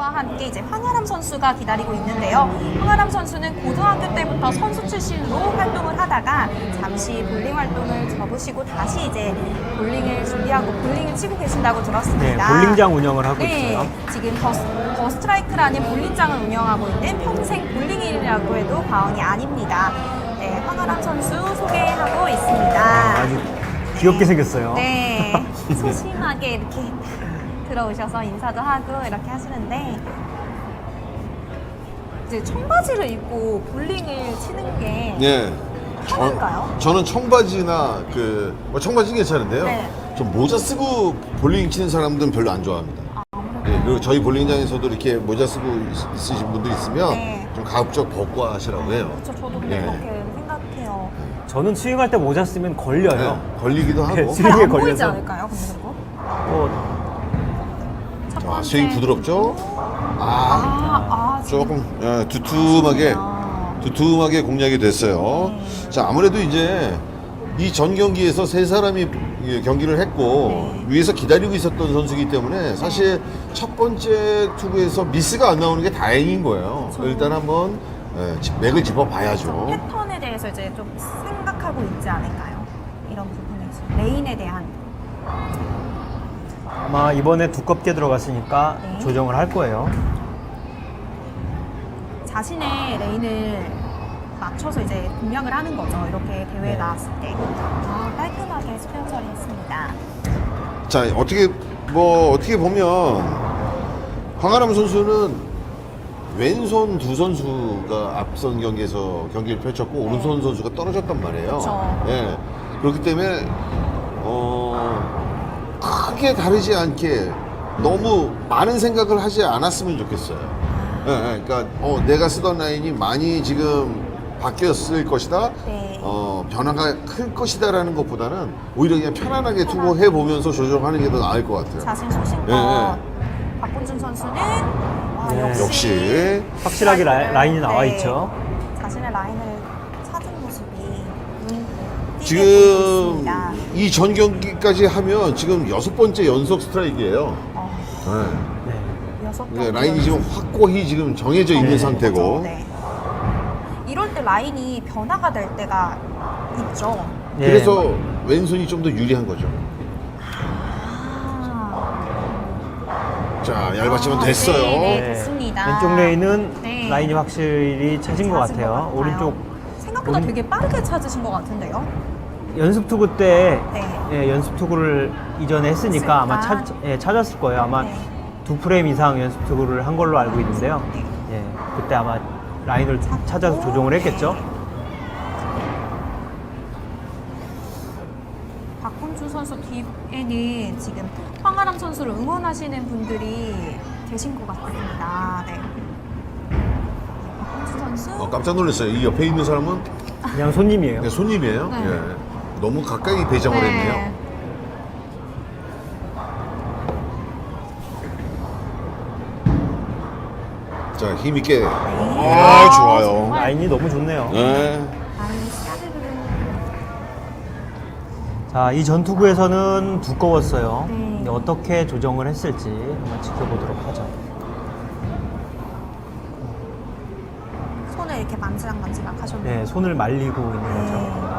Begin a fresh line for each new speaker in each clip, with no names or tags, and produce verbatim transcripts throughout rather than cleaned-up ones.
선수와 함께 이제 황아람 선수가 기다리고 있는데요. 황아람 선수는 고등학교 때부터 선수 출신으로 활동을 하다가 잠시 볼링 활동을 접으시고 다시 이제 볼링을 준비하고 볼링을 치고 계신다고
네,
들었습니다.
볼링장 운영을 하고
네,
있어요.
지금 더, 더 스트라이크라는 볼링장을 운영하고 있는 평생 볼링인이라고 해도 과언이 아닙니다. 네, 황아람 선수 소개하고 있습니다.
아주 귀엽게 생겼어요.
네, 소심하게 이렇게 들어오셔서 인사도 하고 이렇게 하시는데 이제 청바지를 입고 볼링을 치는 게
예.
편한가요?
저, 저는 청바지나 그 뭐 청바지 괜찮은데요.
네.
좀 모자 쓰고 볼링 치는 사람들은 별로 안 좋아합니다. 예, 그리고 저희 볼링장에서도 이렇게 모자 쓰고 있- 있으신 분들 있으면
네.
좀 가급적 벗고 하시라고 해요.
그렇죠, 저도 근데
예.
그렇게 생각해요.
저는 스윙할 때 모자 쓰면 걸려요.
네, 걸리기도 하고.
네,
잘
스윙에
안 보이지
걸려서.
않을까요? 근데 그거?
뭐,
첫
자,
번째.
스윙 부드럽죠? 아,
아, 아, 지금
조금 예, 두툼하게
그렇구나.
두툼하게 공략이 됐어요.
네.
자, 아무래도 이제 이 전 경기에서 세 사람이 예, 경기를 했고
네.
위에서 기다리고 있었던 선수이기 때문에 사실 첫 번째 투구에서 미스가 안 나오는 게 다행인 거예요.
그렇죠.
일단 한번 예, 지- 맥을 짚어 봐야죠.
패턴에 대해서 이제 좀 생각하고 있지 않을까요? 이런 부분에서 레인에 대한
아마 이번에 두껍게 들어갔으니까
네.
조정을 할 거예요.
자신의 레인을 맞춰서 이제 공략을 하는 거죠. 이렇게 대회에
네.
나왔을 때. 아, 깔끔하게 스페어 처리했습니다.
자, 어떻게 뭐 어떻게 보면 황아람 선수는 왼손 두 선수가 앞선 경기에서 경기를 펼쳤고
네.
오른손 선수가 떨어졌단 말이에요.
그쵸.
예. 그렇기 때문에 어, 크게 다르지 않게 너무 많은 생각을 하지 않았으면 좋겠어요. 예, 예. 그러니까 어, 내가 쓰던 라인이 많이 지금 바뀌었을 것이다.
네.
어, 변화가 클 것이다라는 것보다는 오히려 그냥 편안하게 투구해 보면서 조정하는 게 더 나을 것 같아요.
자신 소신껏
예,
박본준 선수는 와,
네.
역시,
역시
확실하게 라-
스트라이크를,
라인이 나와
네,
있죠.
자신의 라인을 찾은 모습이 눈 띄게 보이고
지금
있습니다.
이 전 경기까지 하면 지금 여섯 번째 연속 스트라이크예요.
어,
네.
네.
여섯
네,
번
라인이 지금 확고히 지금 정해져 있는
네.
상태고.
네. 이럴 때 라인이 변화가 될 때가 있죠.
예.
그래서 왼손이 좀 더 유리한 거죠.
아,
자, 얇아지면
아,
됐어요.
네, 네.
네.
됐습니다.
왼쪽 레인은
네.
라인이 확실히 찾은 것
찾은
같아요. 오른쪽
생각보다
오른-
되게 빠르게 찾으신 것 같은데요.
연습 투구 때
네.
예, 연습 투구를 이전에 했으니까 아마 찾, 예, 찾았을 거예요. 아마
네.
두 프레임 이상 연습 투구를 한 걸로 알고 있는데요.
네.
예, 그때 아마 라인을 찾아서 조정을 했겠죠.
박훈주 선수 뒤에는 지금 황아람 선수를 응원하시는 분들이 계신 것 같습니다. 네. 박훈주 선수.
어, 깜짝 놀랐어요. 이 옆에 있는 사람은
그냥 손님이에요.
그냥 손님이에요.
네.
예. 너무 가까이 배정을
네.
했네요. 자, 힘있게. 아, 좋아요.
정말.
라인이 너무 좋네요.
네.
라인이 스타드를.
자, 이 전투구에서는 두꺼웠어요.
네.
근데 어떻게 조정을 했을지 한번 지켜보도록 하죠.
손을 이렇게 만지락만지락 하셨네요.
네, 손을 말리고 있는 거죠.
네.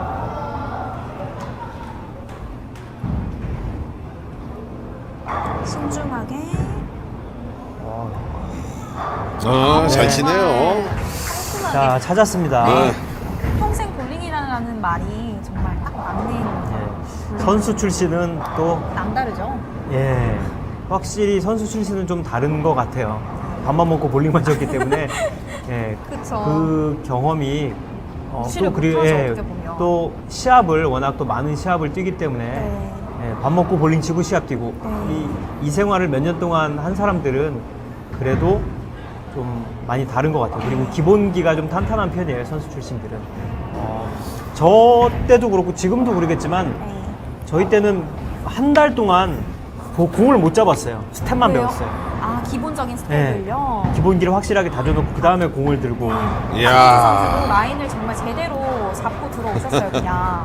신중하게.
어,
아, 잘
네.
치네요.
깔끔하게.
자, 찾았습니다.
네.
평생 볼링이라는 말이 정말 딱 맞는.
예, 선수 출신은 또
남다르죠.
예, 확실히 선수 출신은 좀 다른 것 같아요. 밥만 먹고 볼링만 쳤기 때문에 예,
그쵸.
그 경험이 어,
무시를
또 그리고
못하죠,
예,
어떻게 보면.
또 시합을 워낙 또 많은 시합을 뛰기 때문에
네.
예, 밥 먹고 볼링 치고 시합 뛰고
네.
이, 이 생활을 몇 년 동안 한 사람들은 그래도 좀 많이 다른 것 같아요. 그리고 기본기가 좀 탄탄한 편이에요, 선수 출신들은. 어, 저 때도 그렇고 지금도 그러겠지만
네.
저희 때는 한 달 동안 고- 공을 못 잡았어요. 스텝만
왜요?
배웠어요.
아, 기본적인
네.
스텝을요.
기본기를 확실하게 다져놓고 그 다음에 공을 들고
이야.
박훈주 선수도 라인을 정말 제대로 잡고 들어오셨어요, 그냥.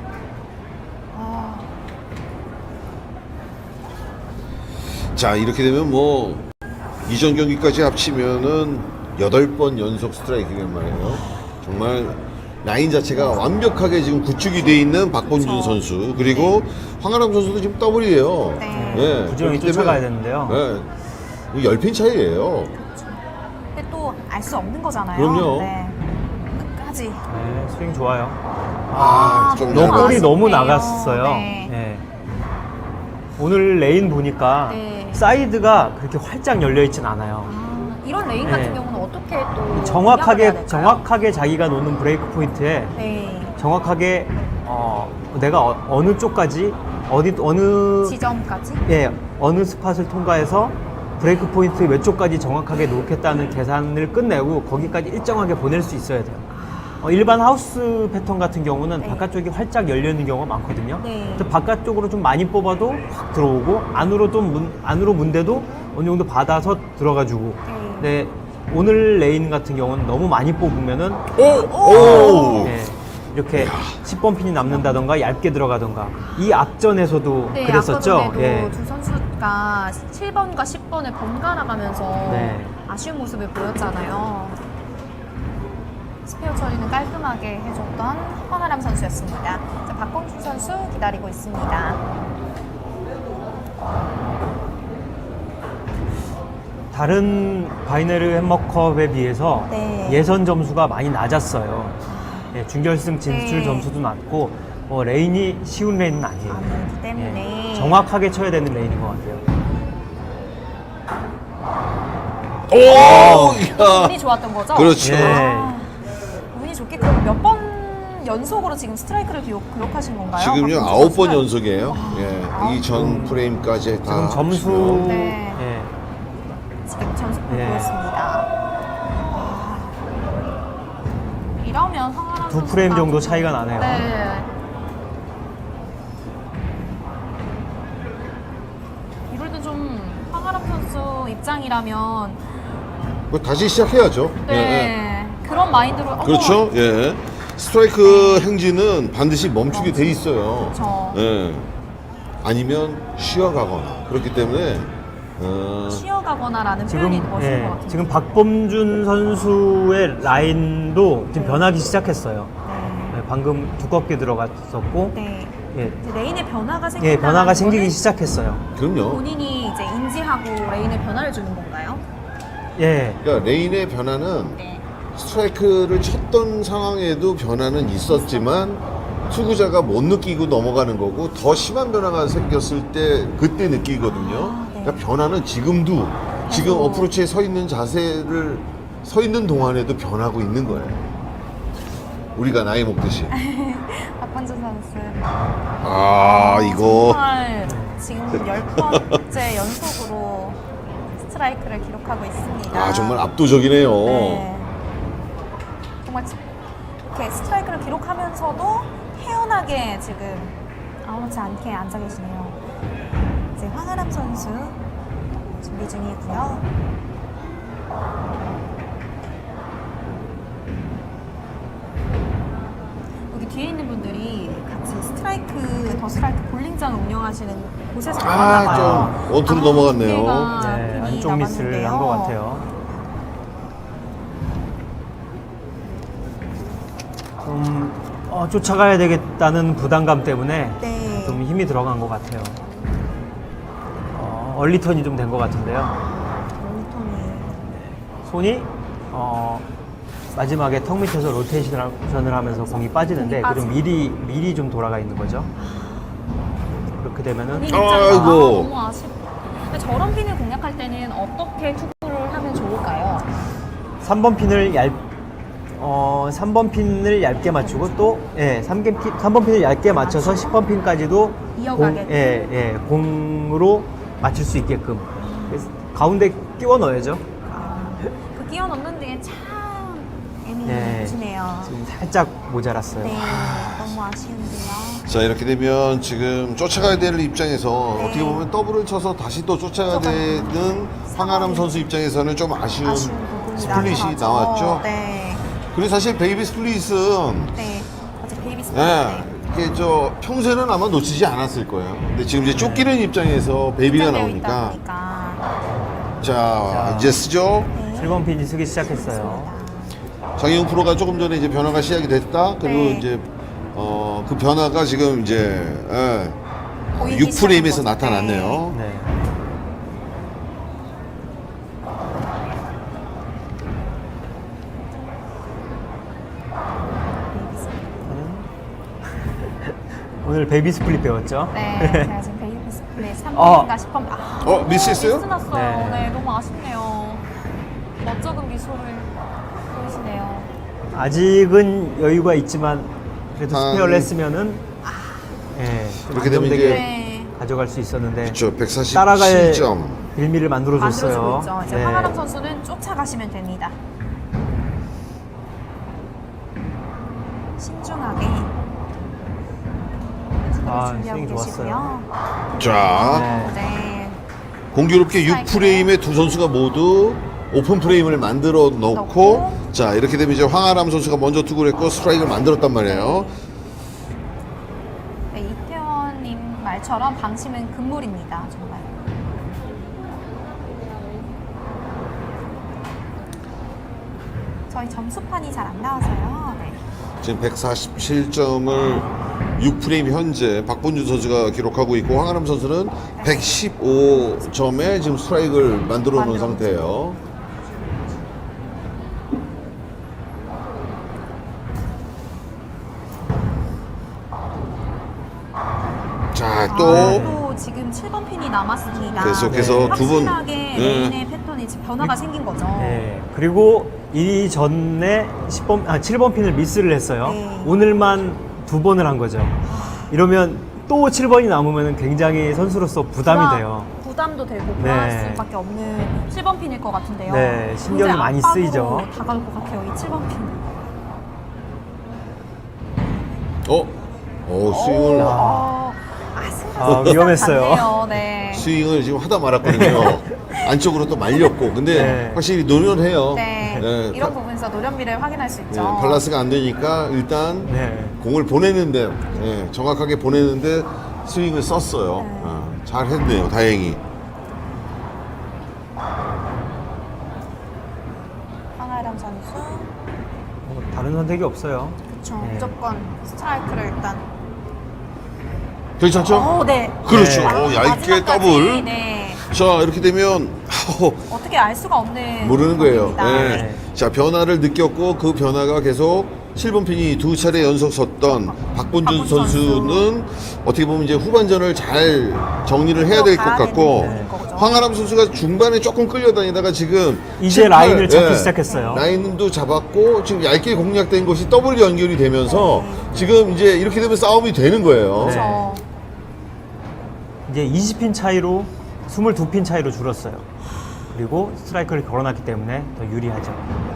아,
자, 이렇게 되면 뭐 이전 경기까지 합치면은 여덟 번 연속 스트라이크란 말이에요. 정말 라인 자체가 완벽하게 지금 구축이 돼 있는 박범준
그쵸.
선수 그리고 황아람 선수도 지금 더블이에요.
네.
예,
부지런히
그렇기
쫓아가야
때문에,
되는데요.
예, 열 핀 차이예요.
근데 또 알 수 없는 거잖아요.
그럼요.
네. 끝까지.
네, 스윙 좋아요.
아, 좀
너무
너볼이
아쉽네요.
너무 나갔어요.
네.
네. 오늘 레인 보니까
네.
사이드가 그렇게 활짝 열려 있진 않아요.
아, 이런 레인
네.
같은 경우는 어떻게 또 공략을 해야
정확하게
될까요?
정확하게 자기가 놓는 브레이크 포인트에
네.
정확하게 어, 내가 어, 어느 쪽까지 어디 어느
지점까지.
예 어느 스팟을 통과해서 브레이크 포인트 몇 쪽까지 정확하게 놓겠다는 계산을 끝내고 거기까지 일정하게 보낼 수 있어야 돼요. 어, 일반 하우스 패턴 같은 경우는
네.
바깥쪽이 활짝 열려 있는 경우가 많거든요.
네.
근데 바깥쪽으로 좀 많이 뽑아도 확 들어오고 안으로 좀 문, 안으로 문대도 어느 정도 받아서 들어가주고.
네.
근데 오늘 레인 같은 경우는 너무 많이 뽑으면은
오!
예, 이렇게 십 번 핀이 남는다던가 얇게 들어가던가 이 앞전에서도
네,
그랬었죠.
아까 전에도
예.
두 선수가 칠 번과 십 번을 번갈아 가면서
네.
아쉬운 모습을 보였잖아요. 스페어 처리는 깔끔하게 해줬던 황아람 선수였습니다. 자, 박범준 선수 기다리고 있습니다.
다른 바이네르 햄머컵에 비해서
네.
예선 점수가 많이 낮았어요. 예, 준결승 진출
네.
점수도 낮고 뭐 레인이 쉬운 레인은 아니에요.
아니기 때문에
예, 정확하게 쳐야 되는 레인인 것 같아요.
오! 야!
운이 좋았던 거죠?
그렇죠.
예.
아, 운이 좋게 그럼 몇 번 연속으로 지금 스트라이크를 기록, 기록하신 건가요?
지금요
박범준
아홉 번
선수가?
연속이에요. 예, 이 전 프레임까지 다
지금 점수
합치면.
네.
예,
지금 점수표
예.
보였습니다. 아, 이러면 황아람
두
선수가
프레임 정도
좀-
차이가 나네요.
네. 이럴 때 좀 황아람 선수 입장이라면
뭐 다시 시작해야죠.
네,
예, 예.
그런 마인드로 어머,
그렇죠. 예. 스트라이크 행진은 반드시 멈추게 돼 있어요.
그렇죠.
예. 아니면 쉬어가거나 그렇기 때문에 어,
쉬어가거나라는 표현이
지금
멋진
예,
것 같아요.
지금 박범준 선수의 라인도 지금
네.
변하기 시작했어요.
네.
예, 방금 두껍게 들어갔었고
네.
예,
이제 레인의 변화가 생긴다.
예, 변화가 생기기 시작했어요.
그럼요.
본인이 이제 인지하고 레인의 변화를 주는 건가요?
예,
그러니까 레인의 변화는
네.
스트라이크를 쳤던 상황에도 변화는 있었지만 투구자가 못 느끼고 넘어가는 거고 더 심한 변화가 생겼을 때 그때 느끼거든요.
아, 네.
그러니까 변화는 지금도 지금
계속.
어프로치에 서 있는 자세를 서 있는 동안에도 변하고 있는 거예요. 우리가 나이 먹듯이.
박범준 선수.
아 이거
정말 지금 열 번째 연속으로 스트라이크를 기록하고 있습니다.
아 정말 압도적이네요.
네. 정말 지- 이렇게 스트라이크를 기록하면서도 태연하게 지금 아무렇지 않게 앉아 계시네요. 이제 황아람 선수 준비 중이고요. 여기 뒤에 있는 분들이 같이 스트라이크, 더 스트라이크 볼링장을 운영하시는 곳에서
아,
나왔나 봐요.
좀 원투로 넘어갔네요.
기회가
네,
괜히
안쪽 미스를 한 것
남았는데요.
같아요. 좀 어, 쫓아가야 되겠다는 부담감 때문에
네.
좀 힘이 들어간 것 같아요. 어, 얼리턴이 좀 된 것 같은데요.
롤톤이
손이 어, 마지막에 턱 밑에서 로테이션을 하면서 공이 빠지는데
공이
그좀
빠지-
미리 미리 좀 돌아가 있는 거죠. 그렇게 되면은
본인
아이고.
입장에서 아, 너무 아쉽. 근데 저런 핀을 공략할 때는 어떻게 투구를 하면 좋을까요?
삼 번 핀을 얇 어, 삼 번 핀을 얇게 맞추고 또 예, 삼 번 핀, 삼 번 핀을 얇게 맞춰서 십 번 핀까지도
이어가게끔.
공, 예, 예, 공으로 맞출 수 있게끔 그래서 가운데 끼워 넣어야죠.
그 끼워 넣는 데에 참
네.
애매해지네요.
지금 살짝 모자랐어요.
네, 너무 아쉬운데요.
자 이렇게 되면 지금 쫓아가야 될 입장에서
네.
어떻게 보면 더블을 쳐서 다시 또 쫓아가야
쫓아가는
되는 황아람 선수 입장에서는 좀 아쉬운,
아쉬운 부분이
스플릿이
나죠.
나왔죠.
네,
그리고 사실 베이비 스플릿은
네, 어제 베이비 스플릿.
예, 이게 저 평소에는 아마 놓치지 않았을 거예요. 근데 지금 이제 쫓기는 입장에서 베이비가
긴장되어 있다
나오니까
보니까.
자,
자.
이제 쓰죠.
네.
칠 번 핀이 쓰기 시작했어요.
장희용 프로가 조금 전에 이제 변화가 시작이 됐다. 그리고
네.
이제 어, 그 변화가 지금 이제 예,
보이기
육 프레임에서
시작한 거죠.
나타났네요.
네. 오늘 베이비 스플릿 배웠죠?
네, 제가 지금 베이비 스플릿 삼
어.
번인가 십 번. 아,
어, 미스했어요?
미스 났어요.
네.
네. 너무 아쉽네요. 멋쩍은 미소를 보이시네요.
아직은 여유가 있지만 그래도
아,
스페어를
음.
했으면은 예, 좀
이렇게 되면
안정되게
이제-
네.
가져갈 수 있었는데
그렇죠.
따라갈
백사십칠 점.
빌미를 만들어줬어요.
만들어주고 있죠. 이제
네.
황아람 선수는 쫓아가시면 됩니다. 신중하게
아,
준비하고
스윙
계시고요.
자,
네.
네.
공교롭게 육 프레임의 두 선수가 모두 오픈 프레임을 만들어 놓고
넣고.
자, 이렇게 되면 이제 황아람 선수가 먼저 투구를 했고 스트라이크를 만들었단 말이에요.
네, 이태원님 말처럼 방심은 금물입니다. 정말. 저희 점수판이 잘 안 나와서요. 네.
지금 백사십칠 점을 육 프레임 현재 박본준 선수가 기록하고 있고 황아람 선수는 백십오 점에 지금 스트라이크를 만들어 놓은
만들어
상태예요. 자, 또
아, 또 지금 칠 번 핀이 남았습니다.
계속해서
네.
두 분
확실하게
네.
레인의 패턴이 지금 변화가 생긴 거죠.
네. 그리고 이전에 십 번, 아, 칠 번 핀을 미스를 했어요.
네.
오늘만 두 번을 한 거죠. 이러면 또 칠 번이 남으면 굉장히 선수로서 부담이
부담-
돼요.
부담도 되고 불안할
네.
수밖에 없는 칠 번 핀일 것 같은데요.
네, 신경이
굉장히
많이
압박으로
쓰이죠.
다가올 것 같아요, 이 칠 번 핀.
어? 어, 스윙을
어,
아, 위험했어요.
네.
스윙을 지금 하다 말았거든요. 안쪽으로 또 말렸고 근데
네.
확실히 노련해요.
네.
네,
이런
파-
부분에서 노련미를 확인할 수 있죠.
네, 밸런스가 안 되니까 일단
네.
공을 보내는데 네, 정확하게 보내는데 스윙을 썼어요.
네.
아, 잘 했네요. 다행히.
황아람 선수.
뭐 다른 선택이 없어요.
그렇죠.
네.
무조건 스트라이크를 일단.
괜찮죠?
어, 네.
그렇죠.
네.
어, 얇게
마지막까지,
더블.
네.
자, 이렇게 되면 어,
어떻게 알 수가 없는
모르는 거예요.
부분입니다.
네.
네.
자, 변화를 느꼈고 그 변화가 계속 칠 번 핀이 두 차례 연속 섰던 박본준
박본준
선수는 어떻게 보면 이제 후반전을 잘 정리를 해야 될 것
들어가야
같고
되는 거죠.
황아람 선수가 중반에 조금 끌려다니다가 지금
이제
칠, 팔,
라인을 잡기
예,
시작했어요.
라인도 잡았고 지금 얇게 공략된 것이 더블 연결이 되면서
네.
지금 이제 이렇게 되면 싸움이 되는 거예요.
네.
그렇죠.
이제 이십 핀 차이로 이십이 핀 차이로 줄었어요. 그리고 스트라이크를 걸어놨기 때문에 더 유리하죠.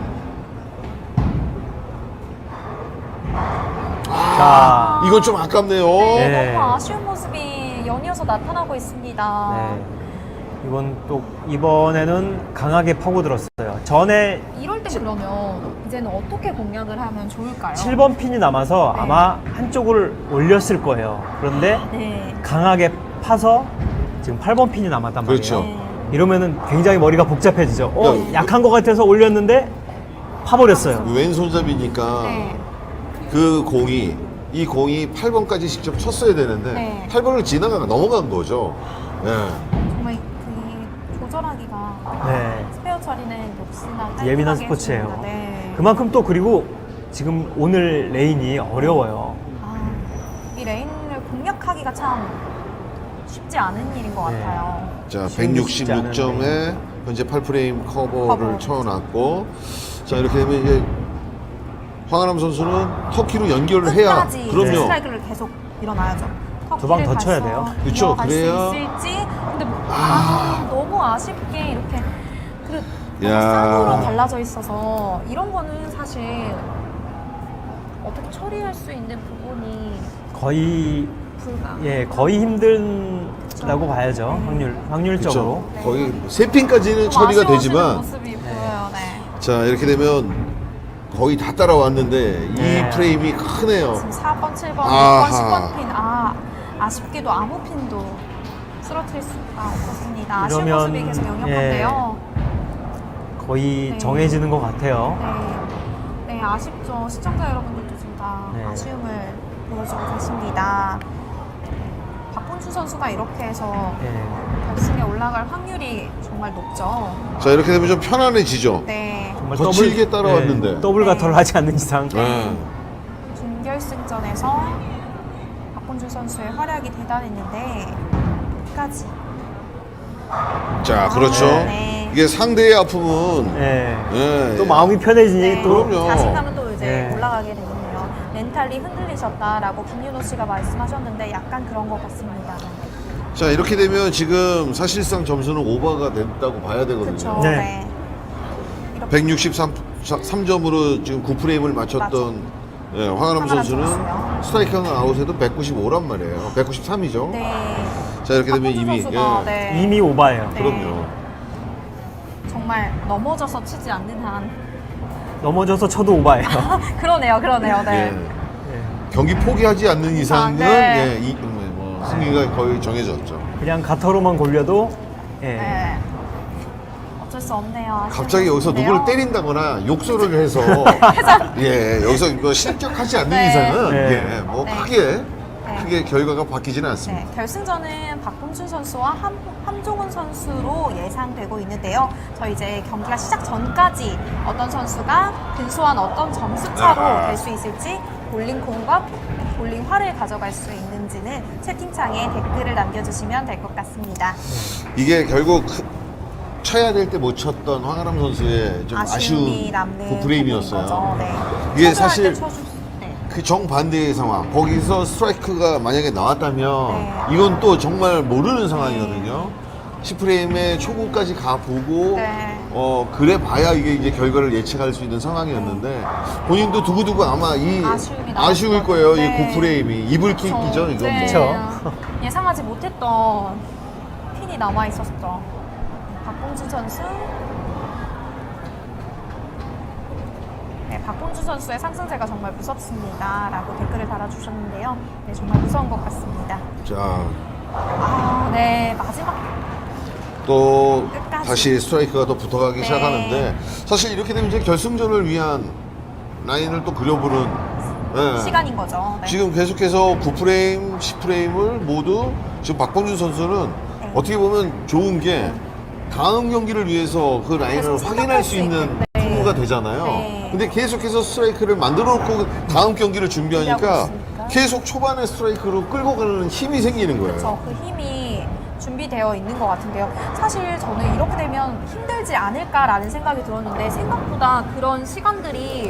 자,
이건 좀 아깝네요.
네,
네.
너무 아쉬운 모습이 연이어서 나타나고 있습니다.
네. 이번 또 이번에는 강하게 파고들었어요. 전에
이럴 때 그러면 이제는 어떻게 공략을 하면 좋을까요?
칠 번 핀이 남아서
네.
아마 한쪽을 올렸을 거예요. 그런데
네.
강하게 파서 지금 팔 번 핀이 남았단 말이에요.
그렇죠.
네.
이러면은 굉장히 머리가 복잡해지죠. 어,
야,
약한 것 같아서 올렸는데 파버렸어요.
왼손잡이니까
네.
그 공이 이 공이 팔 번까지 직접 쳤어야 되는데
네.
팔 번을 지나가 넘어간 거죠. 네.
정말 그 조절하기가
네.
스페어 처리는 역시나 깔끔하게
예민한 스포츠예요.
해줍니다. 네.
그만큼 또 그리고 지금 오늘 레인이 어려워요.
아, 이 레인을 공략하기가 참 쉽지 않은 일인 것
네.
같아요.
자,
쉬운 게 쉽지
백육십육 점에 현재 팔 프레임 커버를
커버.
쳐놨고 자, 이렇게 되면 이제 황아람 선수는 터키로 연결을 해야
끝까지
그럼요.
스트라이크를 계속 밀어놔야죠.
두방
터키를
더 쳐야
가서
돼요.
그쵸,
이어갈 수
그래야-
있을지. 근데 뭐- 아, 너무 아쉽게 이렇게 그 너무
야.
쌍으로 갈라져 있어서 이런 거는 사실 어떻게 처리할 수 있는 부분이
거의
불가.
예 거의 힘들다고 봐야죠. 확률 확률적으로.
그렇죠. 거의 세 핀까지는
좀
처리가
아쉬워하시는
되지만
모습이 보여요. 네.
자, 이렇게 되면 거의 다 따라왔는데
네.
이 프레임이 크네요.
지금 사 번, 칠 번,
아하.
육 번, 십 번 핀. 아, 아쉽게도 아무 핀도 쓰러뜨릴 수가 없었습니다. 아쉬운
이러면,
모습이 계속 역력한데요.
거의
네.
정해지는 것 같아요.
네. 네, 아쉽죠. 시청자 여러분들도 지금 다
네.
아쉬움을 보여주고 계십니다. 박본준 선수가 이렇게 해서
네.
결승에 올라갈 확률이 정말 높죠.
자, 이렇게 되면 좀 편안해지죠.
네.
정말
거칠게 따라왔는데.
네, 더블
네.
가터를 하지 않는 이상.
네.
준결승전에서 박본준 선수의 활약이 대단했는데 끝까지.
자, 그렇죠.
아, 네.
이게 상대의 아픔은
네.
예,
또 마음이 편해지니
네.
또
그럼요.
자신감은 또 이제
네.
올라가게 되군요. 멘탈이 흔들리셨다라고 김윤호 씨가 말씀하셨는데 약간 그런 것 같습니다.
자, 이렇게 되면 지금 사실상 점수는 오버가 됐다고 봐야 되거든요.
그렇죠.
네.
네. 이렇게
백육십삼 점으로 지금 구 프레임을 맞췄던 예, 황아람
황아람
선수는
선수요.
스트라이크는 아웃에도 백구십오란 말이에요. 백구십삼이죠.
네.
자, 이렇게 되면
박본준
이미
선수가,
예,
네.
이미 오바예요.
네.
그럼요.
정말 넘어져서 치지 않는 한
넘어져서 쳐도 오바예요.
그러네요, 그러네요. 네.
예.
네.
경기 포기하지 않는 이상은
네.
예, 이, 뭐, 승리가 거의 정해졌죠.
그냥 가터로만 골려도 예.
네. 어쩔 수 없네요.
갑자기 여기서
아쉬운
누구를
모습인데요.
때린다거나 욕설을 해서 예 여기서 이거 실격하지 않는
네.
이상은
네.
예, 뭐
네.
크게
네.
크게 결과가 바뀌지는 않습니다.
네, 결승전은 박봉준 선수와 함, 함종훈 선수로 예상되고 있는데요. 저 이제 경기가 시작 전까지 어떤 선수가 근소한 어떤 점수 차로
아하.
될 수 있을지 볼링공과 볼링화를 가져갈 수 있는지는 채팅창에 댓글을 남겨주시면 될 것 같습니다.
이게 결국 쳐야 될 때 못 쳤던 황아람 선수의 좀
아쉬움이
아쉬운
남는
그 프레임이었어요.
거죠. 네.
이게
쳐줘야
사실
할 때 쳐주- 네.
그 정반대의 상황. 거기서 스트라이크가 만약에 나왔다면
네.
이건 또 정말 모르는 상황이거든요. 십 프레임에 초구까지 가보고
네.
어 그래 봐야 이게 이제 결과를 예측할 수 있는 상황이었는데 본인도 두고두고 아마 이
아쉬움이
아쉬울
남았을
거예요.
것 같아요.
이 구 프레임이 이불킥이죠 이거.
네.
그쵸.
예상하지 못했던 핀이 남아 있었죠. 박봉준 선수. 네, 박봉준 선수의 상승세가 정말 무섭습니다라고 댓글을 달아주셨는데요. 네, 정말 무서운 것 같습니다.
자,
아, 네, 마지막
또
끝까지.
다시 스트라이크가 또 붙어가기
네.
시작하는데 사실 이렇게 되면 이제 결승전을 위한 라인을 또 그려보는 예.
시간인 거죠. 네.
지금 계속해서 구 프레임, 십 프레임을 모두 지금 박봉준 선수는
네.
어떻게 보면 좋은 게 다음 경기를 위해서 그 라인을
계속
확인할
생각할
수
수
있는
있게. 네.
투구가 되잖아요.
네.
근데 계속해서 스트라이크를 만들어 놓고 다음 경기를 준비하니까
준비하고 있으니까.
계속 초반에 스트라이크로 끌고 가는 힘이 생기는 거예요.
그렇죠. 그 힘이 준비되어 있는 것 같은데요. 사실 저는 이렇게 되면 힘들지 않을까라는 생각이 들었는데 생각보다 그런 시간들이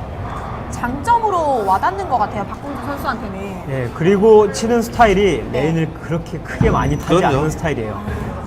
장점으로 와닿는 것 같아요. 박봉준 선수한테는.
예, 그리고 치는 스타일이
네.
레인을 그렇게 크게 많이 타지
그럼요.
않는 스타일이에요.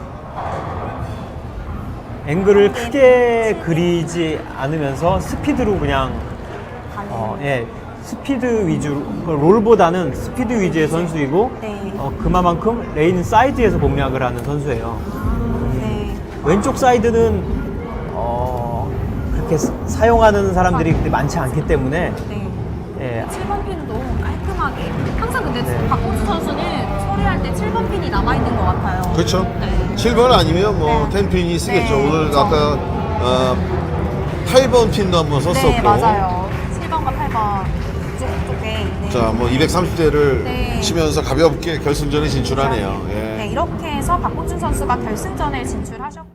앵글을 크게 그리지 않으면서 스피드로 그냥
가는.
어, 예, 스피드 위주로 그 롤보다는 스피드 위주의 선수이고
네.
어, 그만큼 레인 사이드에서 공략을 하는 선수예요.
네.
왼쪽 사이드는 어, 그렇게 사- 사용하는 사람들이 그렇게 많지 않기 때문에
네.
예,
칠 번 핀도 깔끔하게. 항상 근데
네.
박봉준 선수는 처리할 때 칠 번 핀이 남아있는 것 같아요.
그렇죠.
네.
칠 번 아니면 뭐
네.
텐 핀이 쓰겠죠.
네,
오늘
그렇죠.
아까 어, 팔 번 핀도 한번 썼었고.
네, 맞아요. 칠 번과 팔 번 이쪽 쪽에 있는.
자, 뭐 이백삼십 대를
네.
치면서 가볍게 결승전에 진출하네요. 예.
네, 이렇게 해서 박봉준 선수가 결승전에 진출하셨고